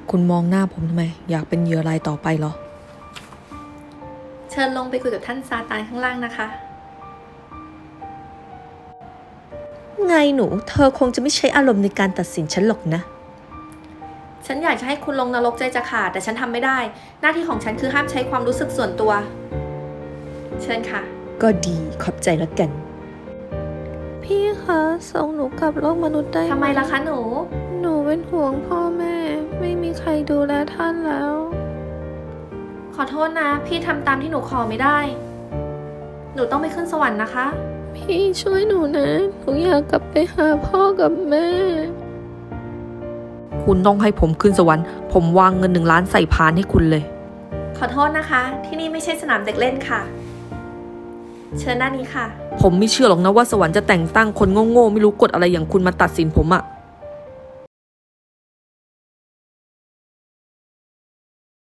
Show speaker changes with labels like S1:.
S1: คุณมองหน้าผมทำไมอยากเป็นเหยื่อรายต่อไปเหรอ
S2: เชิญลงไปคุยกับท่านซาตานข้างล่างนะคะ
S1: ไงหนูเธอคงจะไม่ใช้อารมณ์ในการตัดสินฉันหรอกนะ
S2: ฉันอยากจะให้คุณลงนรกใจจะขาดแต่ฉันทำไม่ได้หน้าที่ของฉันคือห้ามใช้ความรู้สึกส่วนตัวเชิญค่ะ
S1: ก็ดีขอบใจแล้วกันพี่คะส่งหนูกลับโลกมนุษย์ได้
S2: ทำไมล่ะคะหนู
S1: เป็นห่วงพ่อแม่ไม่มีใครดูแลท่านแล้ว
S2: ขอโทษนะพี่ทำตามที่หนูขอไม่ได้หนูต้องไปขึ้นสวรรค์นะคะ
S1: พี่ช่วยหนูนะหนูอยากกลับไปหาพ่อกับแม่คุณต้องให้ผมขึ้นสวรรค์ผมวางเงิน1 ล้านใส่พานให้คุณเลย
S2: ขอโทษนะคะที่นี่ไม่ใช่สนามเด็กเล่นค่ะเชิญด้านนี้ค่ะ
S1: ผมไม่เชื่อหรอกนะว่าสวรรค์จะแต่งตั้งคนโง่ๆไม่รู้กฎอะไรอย่างคุณมาตัดสินผมอะ